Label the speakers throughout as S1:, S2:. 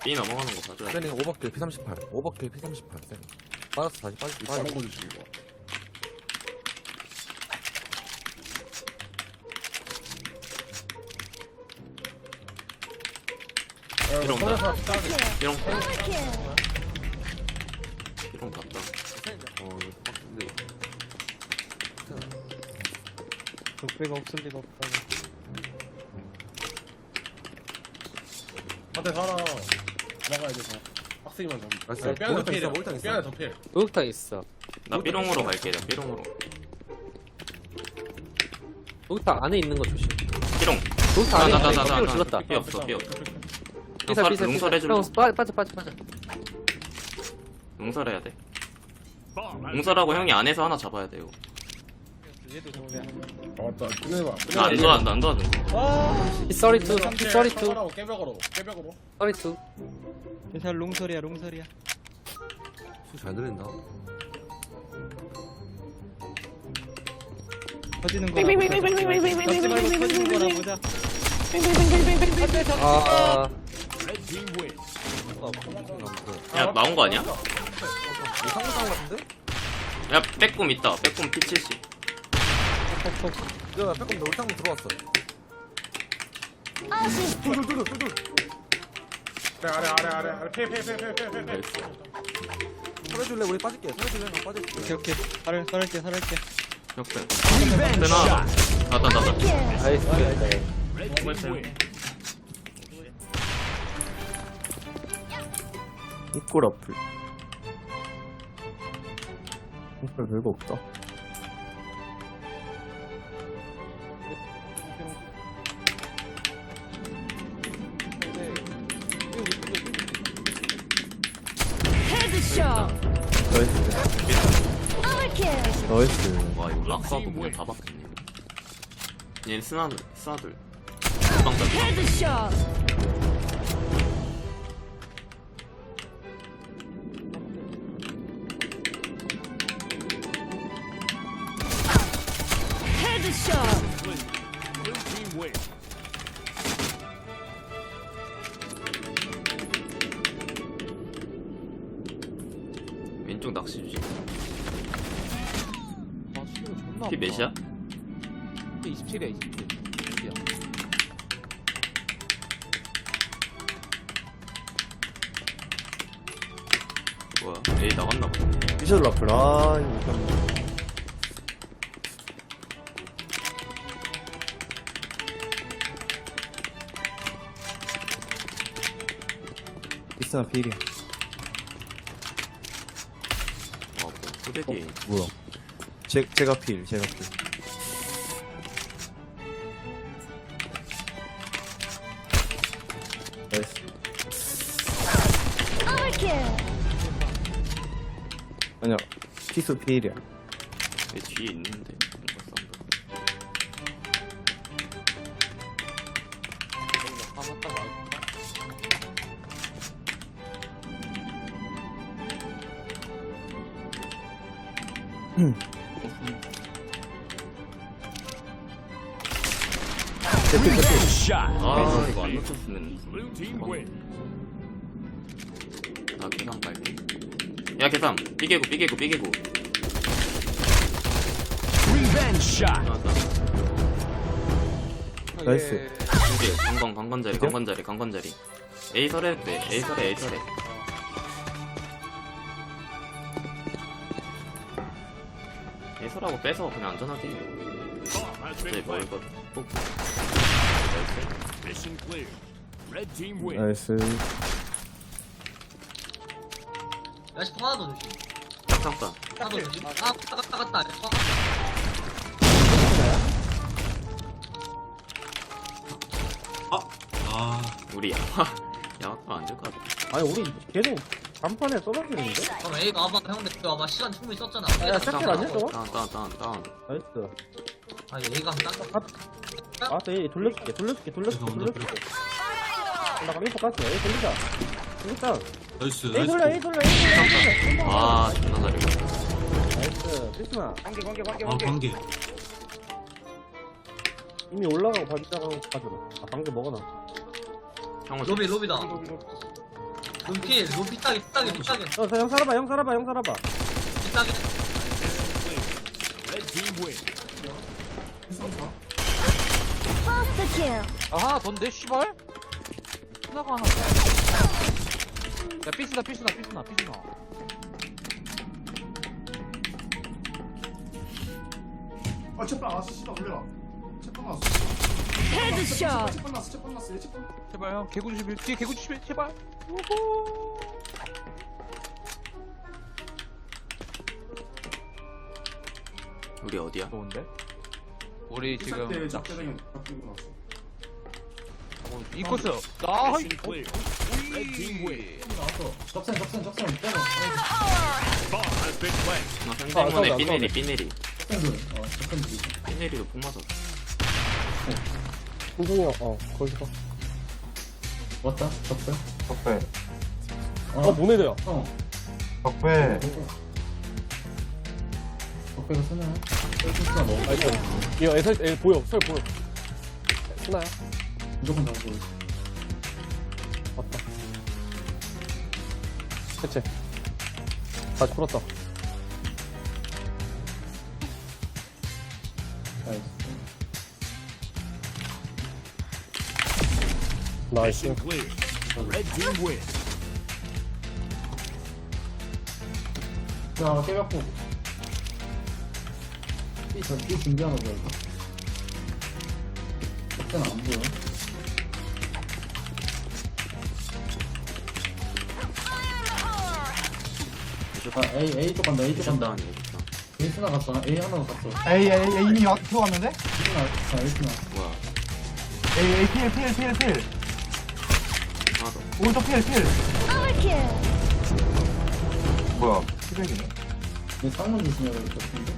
S1: B 넘어가는 거 봐줘야 돼.
S2: 쌤이 오버킬 P38 오버킬 P38 쌤 빠졌어 다시
S3: 다른
S2: 빠졌어
S3: 거 주시 이거.
S1: 이런 거.
S3: 서울에서 따지.
S1: 이런 이런 거 같다.
S2: 이거 빡센데
S4: 적배가 없을 리가 없다.
S3: 한대 살아. 나가야 돼 더. 빡세기만 잡.
S2: 알았어.
S3: 뼈안에 더
S2: 목욕탕 있어,
S3: 필.
S2: 목욕탕 있어.
S3: 뼈안에 더 필.
S4: 목욕탕 있어.
S1: 나 B롱으로 갈게. 나 B롱으로.
S4: 목욕탕 안에 있는 거 조심.
S1: B롱.
S4: 목욕탕 안에 있는 거
S1: 나.
S4: B로 죽었다.
S1: 삐 없어. 삐 없어.
S4: 삐살 삐살
S1: 용설 해줄래?
S4: 형 빠져.
S1: 용설해야 돼. 용설하고 형이 안에서 하나 잡아야 돼요.
S3: 아 맞다. 끝내봐.
S1: 나안 도와준다. 안 도와준다.
S4: P32 P32
S3: 하라고 깨벽으로. 깨벽으로.
S4: 32
S5: 괜찮아 롱설이야 롱설이야.
S2: 잘 들린다
S5: 터지는 거라 보자. 잡지 말고 터지는 거라 보자.
S4: 아
S1: 야 나온 거 아니야?
S2: 이거 상상 같은데?
S1: 야 빼꼼 있다. 빼꼼 P70.
S2: 야 빼꼼 너 울탕 들어왔어 둘둘둘둘둘
S3: 아래. 패.
S1: 나이스.
S2: 설해줄래 우리 빠질게 설해줄래 나 빠질게
S5: 오케이. 살할게.
S1: 역전. 되나? 나다.
S4: 나이스.
S6: 이꼴 어플 이꼴 별거 없다 나이스
S1: 와 이거 락사도 그냥 다 박혔네. 얘는 스나들. 방다. 왼쪽 낚시 주지. 피 몇이야?
S4: 27이야 27.
S1: 뭐야? A 나갔나 보네.
S6: 피셜 라플 아 이거 비싸나 필이야
S1: 뭐 후대기.
S6: 뭐야 제가 필 나이스 아니야 피수 필이야
S1: 내 뒤에 있는데. 아 이거 안 놓쳤으면. 나 계산 갈게. 야 계산. 삐개고.
S6: 나이스
S1: 이게 강건자리. A 설해 돼. A 설해. A 설하고 빼서 그냥 안전하게. 이제 멀거든.
S6: 나이스
S7: 야시 하나 더 주시.
S1: 잠깐.
S7: 하나 더 주시. 나갔다.
S1: 우리 야마가 안 될 것 같아.
S6: 아니 우리 계속 간판에 써박이는데?
S7: 그럼 A가 와봐. 형들 그 와봐. 시간 충분히 썼잖아.
S6: 야 샷킬 아니야 저거?
S1: 다운.
S6: 나이스
S7: 아니 A가 한번 딱.
S6: 알았어 얘 돌려줄게 나 가면 똑같아 얘 돌리자 돌리자
S8: 나이스
S6: A 돌려
S1: 아 존나 잘해.
S6: 나이스 필수나
S8: 아 관계
S6: 이미 올라가고 반짝하고 가져라 아 관계 먹어놔
S1: 형은
S7: 로비다. 눈필 삐딱이
S6: 형 살아봐, 형 살아봐, 형 살아봐.
S7: 삐딱이.
S5: Faster kill.
S4: 아 하나 던데 씨발 스나가 하나 야 삐스나
S8: 아, 채빵 나왔어. 씨발 올려라. 채빵 나왔어.
S5: Headshot.
S8: 채빵 나왔어. 채빵 나왔어. 얘 채빵.
S4: 제발 형 개구 주시면 뒤에 개구 주시면 제발
S1: 우리 어디야?
S4: 좋은데 우리 지금
S8: 때 적대장이 바뀌고 나왔어.
S4: 이 코스 나
S8: 나왔어. 적생 빼고.
S1: 상대문에 삐내리
S8: 적생
S1: 삐내리도 폭 맞았어.
S6: 홍종이 형, 거기서.
S8: 왔다. 적배.
S6: 모네드야.
S8: 적배가 쓰나요? 쓰나 먹어.
S6: 이거 애 보여, 설 보여. 스나야?
S8: 무조건 잡고.
S6: 맞다. 그치. 다시 풀었다. 나이스.
S8: 자, 깨갖고. 이 준비하는 거야, 이거. 적배는 안 보여. A 쪽 간다, A 쪽 간다. A 스나 갔어, A 하나 갔어.
S9: 이미 들어왔는데?
S8: A 스나.
S1: 뭐야?
S9: 필.
S1: 하나 더.
S9: 오른쪽 필.
S5: Overkill.
S9: 뭐야? 피백이네.
S8: 얘 쌍문 조심해야 될 것 같은데?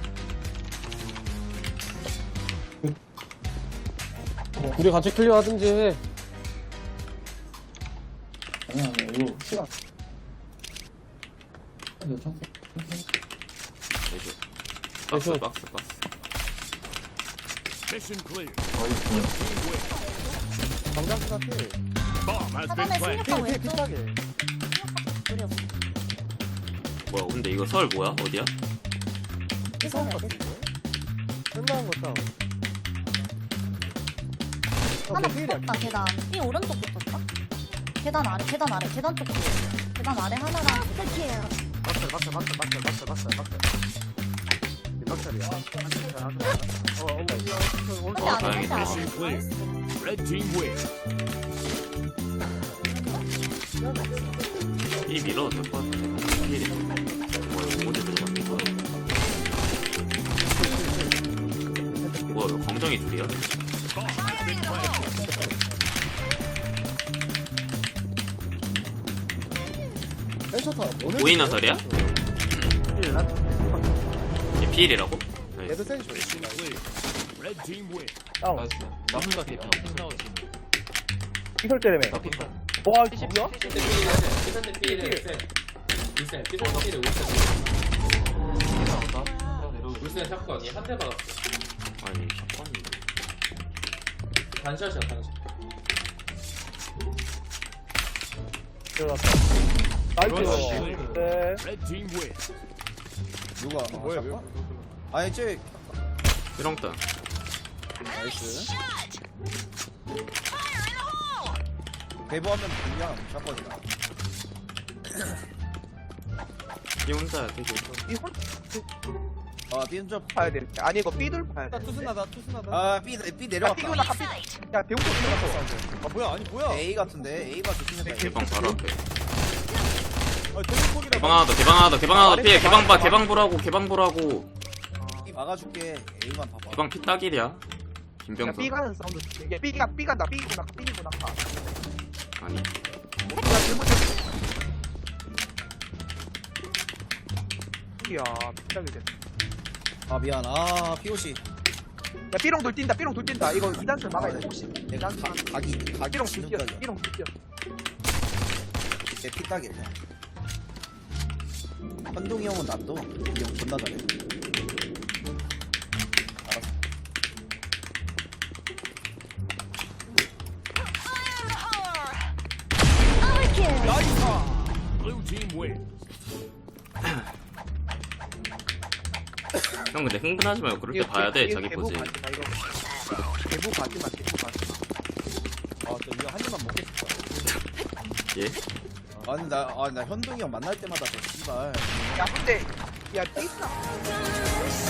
S6: 우리 같이 클리어 하든지 해.
S8: 아니야, 이거 시간. 이거 청소.
S1: 내줘. 박스.
S6: 당장스나 필.
S5: 사단에 승리하고 왼쪽. 노려.
S1: 뭐야? 근데 이거 설 뭐야? 어디야?
S5: 이거
S6: 끝나는 거 싸움.
S5: 하나 붙었다 계단. 이 오른쪽 붙었다. 계단 아래 계단 쪽 붙었어. 계단 아래 하나랑. Faster 근데 안
S1: 다행이다.
S5: 되지.
S1: 이 밀어도 될 것 같은데. 필이. 뭐야? 어디 들어갔는 거야? 뭐야? 이거 검정이 둘이야? 보이나 설이야? 얘 필이라고? 나이스.
S4: 나무가 대표
S6: 이설 때문에. 와, 이거 뭐야?
S1: 아니 샷건인데.
S2: 누가? 뭐야? 아니, 쟤.
S1: 삐렁땅.
S2: 나이스. 대부하면 그냥 샷건이다.
S1: 이 혼자야 되게.
S2: 삐운점.
S9: 봐야 돼. 아니 이거 B돌 봐야 돼.
S2: 투스나다. 삐 내려갔다.
S9: 야 대웅도 들어갔어.
S2: 아, 뭐야? 아니, 뭐야? A 같은데? A가 조심해봐.
S1: 개방 바로 앞에.
S2: 대폭이라.
S1: 개방 하나 더 피해. 개방 보라고.
S2: B 막아줄게. A만 봐봐.
S1: 개방 피 딱일이야.
S9: 야
S1: 김병선.
S9: B 가는 사운드. 이게 B 간다. B구나.
S1: 아니.
S9: 이야 비싸게 됐.
S2: 아, 미안. POC.
S9: 야 B롱 돌 뛴다. 이거 2단수 막아야 돼. 혹시.
S2: 내가 각이
S9: B롱 돌 뛰어.
S2: 지금까지.
S9: B롱 돌 뛰어.
S2: 내 피딱이야. 현동이 형은 놔둬. 이 형 존나 잘해.
S5: Overkill.
S1: 형 근데 흥분하지 말고 그럴 때 봐야 돼 자기 포즈.
S9: 개부 가지 마, 개부 가지 마.
S2: 아, 저 이거 한 입만 먹겠어.
S1: 예?
S2: 아니, 나 현동이 형 만날 때마다 저 씨발.
S9: 야, 근데, 야, 삐스나.